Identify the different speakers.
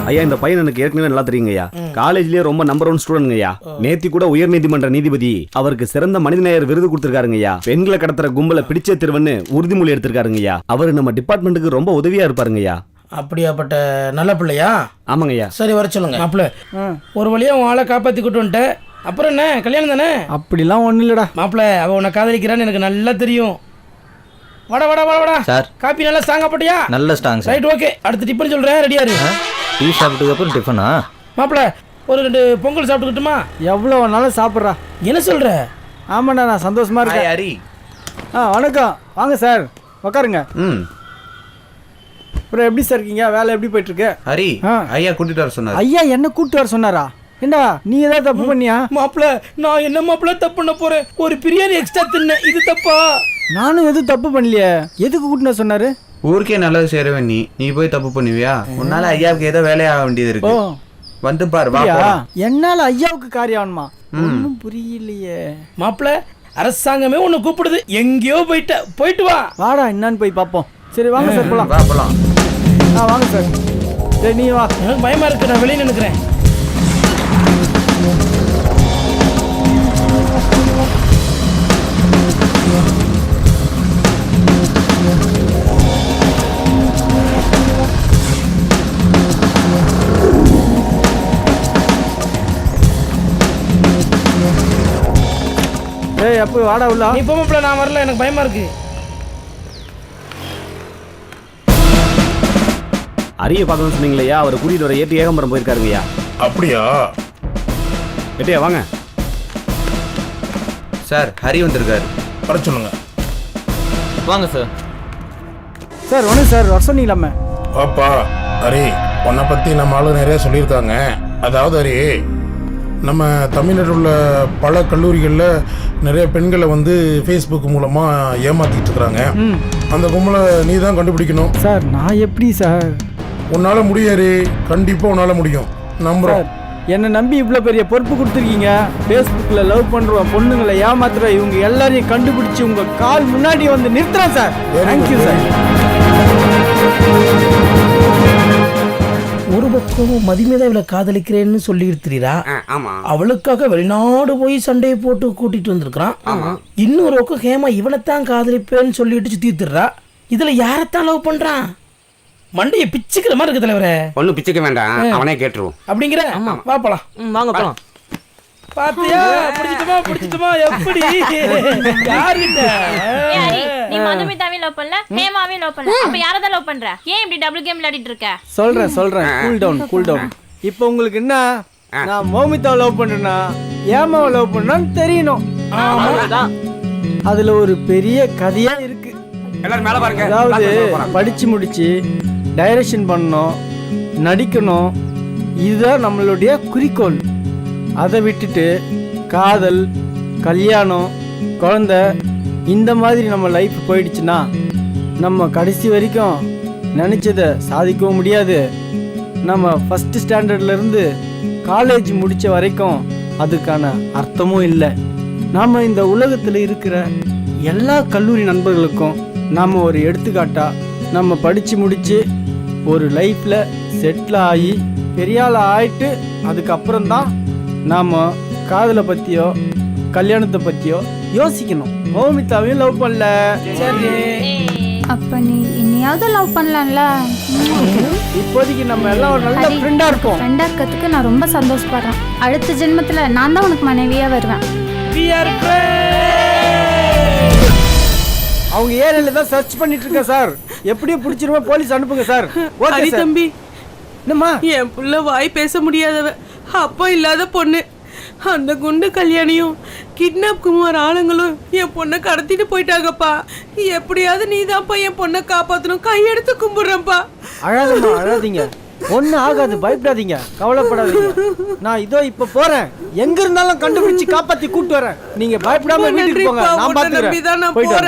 Speaker 1: ஐயா இந்த பையன் எனக்கு ஏற்கனவே நல்லா தெரியுங்கய்யா. காலேஜ்லயே ரொம்ப நம்பர் 1 ஸ்டூடெண்ட்ங்கய்யா. நேத்தி கூட உயர்நீதிமன்ற நீதிபதி அவருக்கு சிறந்த மனிதநேயர் விருது கொடுத்திருக்காருங்கய்யா. பெண்களை கடத்துற கும்பலை பிடிச்சே திருவன்னு உறுதிமொழி எடுத்திருக்காருங்கய்யா. அவரு நம்ம டிபார்ட்மெண்ட்டுக்கு ரொம்ப உதவியா இருப்பாருங்கய்யா.
Speaker 2: அப்படியாப்பட்ட நல்ல பிள்ளையா?
Speaker 1: ஆமாங்கய்யா.
Speaker 2: சரி வர சொல்லுங்க. மாப்பிள்ள ஒரு வழியா உன் ஆளை காப்பாத்தி கூட்டு வந்துட்டேன். அப்புறம் என்ன கல்யாணம் தானே?
Speaker 3: அப்படிலாம் ஒன்றும் இல்லைடா.
Speaker 2: மாப்பிள்ள அவ உன்னை காதலிக்கிறான்னு எனக்கு நல்லா தெரியும். வாடா வாடா வாடா வாடா
Speaker 4: சார்.
Speaker 2: காப்பி நல்லா ஸ்ட்ராங்கா போட்டியா?
Speaker 4: நல்ல ஸ்ட்ராங் சார்.
Speaker 2: Right okay. அடுத்து டிஃபன் சொல்றேன், ரெடியா இரு.
Speaker 4: டீ சாப்பிட்டதுக்கு அப்புறம் டிஃபனா?
Speaker 2: மாப்பிள்ள ஒரு 2 பொங்கல் சாப்பிட்டுக்கிட்டுமா?
Speaker 3: எவ்வளோ வேணாலும் சாப்பிட்றா.
Speaker 2: என்ன சொல்ற?
Speaker 3: ஆமாண்ணா நான் சந்தோஷமா இருக்கேன்.
Speaker 4: ஹரி.
Speaker 3: வணக்கம், வாங்க சார் உட்காருங்க. அப்புறம் எப்படி சார் இருக்கீங்க? வேலை எப்படி போயிட்டு இருக்கு?
Speaker 4: ஹரி ஐயா கூட்டிட்டு வர சொன்னார்.
Speaker 3: ஐயா என்ன கூட்டிட்டு வர சொன்னாரா? ஏண்டா நீ ஏதாவது தப்பு பண்ணியா?
Speaker 2: மாப்பிள்ள நான் என்ன மாப்பிள்ள தப்பு பண்ண போறேன்? ஒரு பிரியாணி எக்ஸ்ட்ரா தின்ன, இது தப்பா?
Speaker 3: நானும் எதுவும் தப்பு பண்ணலையே. எதுக்கு கூட்டிட்டு சொன்னாரு?
Speaker 4: ஊருக்கே நல்லது சேரவே நீ போய் தப்பு பண்ணுவியா? உன்னால ஐயாவுக்கு ஏதோ வேலையாக வேண்டியது இருக்கு. வந்து பாரு.
Speaker 3: என்னால ஐயாவுக்கு காரியம் ஆகணுமா? ஒன்றும் புரியலையே.
Speaker 2: மாப்பிள்ள அரசாங்கமே உன்னை கூப்பிடுது, எங்கேயோ போயிட்டு வா.
Speaker 3: வாடா என்னன்னு போய் பார்ப்போம். சரி வாங்க சார் போலாம்.
Speaker 4: போலாம்.
Speaker 3: வாங்க சார். சரி நீ வா.
Speaker 2: எனக்கு பயமா இருக்கு, நான் வெளியே நினைக்கிறேன்.
Speaker 3: ஏய் அப்போ வாடா உள்ள.
Speaker 2: நீ போ மாப்பிள்ள, நான் வரல, எனக்கு பயமா இருக்கு.
Speaker 1: அரிய பார்க்கணும்னு சொன்னீங்களையா, அவர் கூட்டிட்டு வர ஏற்றி ஏகம்பரம் போயிருக்காருங்கய்யா.
Speaker 5: அப்படியா?
Speaker 1: ஏட்டியா வாங்க
Speaker 4: சார். ஹரி வந்திருக்காரு.
Speaker 5: வர சொல்லுங்க.
Speaker 4: வாங்க சார்.
Speaker 3: சார் ஒன்று சார் வர சொன்னீங்களாமே.
Speaker 5: வாப்பா. ஹரி உன்னை பற்றி நம்ம ஆளு நிறைய சொல்லியிருக்காங்க. அதாவது ஹரி, நம்ம தமிழ்நாட்டில் உள்ள பல கல்லூரிகளில் நிறைய பெண்களை வந்து ஃபேஸ்புக் மூலமாக ஏமாற்றிட்டு இருக்கிறாங்க. அந்த கும்பலை நீ தான் கண்டுபிடிக்கணும்.
Speaker 3: சார் நான் எப்படி சார்?
Speaker 5: உன்னால் முடியாது, கண்டிப்பாக உன்னால் முடியும், நம்புகிறோம்.
Speaker 3: என்னை நம்பி இவ்வளோ பெரிய பொறுப்பு கொடுத்துருக்கீங்க. ஃபேஸ்புக்கில் லவ் பண்ணுறோம், பொண்ணுங்களை ஏமாத்துற இவங்க எல்லாரையும் கண்டுபிடிச்சி உங்கள் கால் முன்னாடி வந்து நிறுத்துறேன் சார். Thank you sir.
Speaker 2: ஒரு பக்கம் மதிமேதா இவளை காதலிக்கிறேன்னு சொல்லி இருக்கிறா. அவளுக்காக வெளிநாடு போய் சண்டையை போட்டு கூட்டிட்டு வந்திருக்கான். இன்னொரு பக்கம் ஹேமா இவனைத்தான் காதலிப்பேன்னு சொல்லிட்டு சுத்திடுறா. இதுல யாரத்தான் லவ் பண்றான்? மண்டைய பிச்சுக்கிற மாதிரி இருக்கு தலைவரே.
Speaker 6: ஒன்னும் பிச்சுக்க வேண்டாம், அவனே கேட்டுருவோம்.
Speaker 2: அப்படிங்கிற வா போலாம்.
Speaker 4: வாங்க போலாம்.
Speaker 2: பாத்தியா பிடிச்சிட்டுமா எப்படி? யார்கிட்ட?
Speaker 7: நீ மதுமிதாவை லவ் பண்ணல, ஹேமாவை லவ் பண்ணல, அப்ப யாரை தான் லவ் பண்ற? ஏன் இப்படி டபுள் கேம் விளையாடிட்டு இருக்க?
Speaker 3: சொல்றேன். Cool down. இப்போ உங்களுக்கு என்ன, நான் மௌமிதாவை லவ் பண்றேனா ஏமாவை லவ் பண்ணான்னு தெரியணும். அதுல ஒரு பெரிய கதையா இருக்கு.
Speaker 6: எல்லாரும் மேல பாருங்க.
Speaker 3: அதாவது படிச்சு முடிச்சு டைரக்ஷன் பண்ணணும், நடிக்கணும், இதுதான் நம்மளுடைய குறிக்கோள். அதை விட்டுட்டு காதல், கல்யாணம், குழந்தை இந்த மாதிரி நம்ம லைஃப் போயிடுச்சுன்னா நம்ம கடைசி வரைக்கும் நினச்சதை சாதிக்கவும் முடியாது. நம்ம ஃபஸ்ட்டு ஸ்டாண்டர்ட்லேருந்து காலேஜ் முடித்த வரைக்கும் அதுக்கான அர்த்தமும் இல்லை. நாம் இந்த உலகத்தில் இருக்கிற எல்லா கல்லூரி நண்பர்களுக்கும் நாம் ஒரு எடுத்துக்காட்டாக நம்ம படித்து முடித்து ஒரு லைஃப்பில் செட்டில் ஆகி பெரியாள் ஆகிட்டு அதுக்கப்புறம்தான் நாம் காதலை பற்றியோ கல்யாணத்தை பற்றியோ யோசிக்கணும். மௌமிதாவையும் லவ் பண்ணல.
Speaker 2: சரி
Speaker 8: அப்ப நீ என்னையாவது லவ் பண்ணலாம்ல?
Speaker 3: இப்போதைக்கு நம்ம எல்லாம் ஒரு நல்ல ஃப்ரெண்டா இருப்போம்.
Speaker 8: ஃப்ரெண்டா இருக்கிறதுக்கு நான் ரொம்ப சந்தோஷப்படுறேன். அடுத்த ஜென்மத்துல நான் தான் உனக்கு மனைவியா வருவேன்.
Speaker 3: அவங்க ஏரியால தான் சர்ச் பண்ணிட்டு இருக்கேன் சார். எப்படியும் பிடிச்சிருவா, போலீஸ் அனுப்புங்க சார்.
Speaker 9: ஹரி தம்பி,
Speaker 3: என்னம்மா?
Speaker 9: என் புள்ள வாய் பேச முடியாதவ, அப்பா இல்லாத பொண்ணு. அந்த குண்டு கல்யாணியும் கிட்னாப் குமார் ஆளுங்களும் என் பொண்ணை கடத்திட்டு போயிட்டாங்கப்பா. எப்படியாவது நீ தான்ப்பா என் பொண்ணை காப்பாற்றணும், கையெடுத்து கும்பிடுறேன்ப்பா.
Speaker 3: அழாதீங்க, ஒன்னும் ஆகாது, பயப்படாதீங்க, கவலைப்படாதீங்க. நான் இதோ இப்ப போறேன், எங்க இருந்தாலும் கண்டுபிடிச்சு காப்பாத்தி கூட்டு வரேன். நீங்க பயப்படாம வீட்டுக்கு போங்க, நான் பாத்துக்கிறேன். போயிட்டு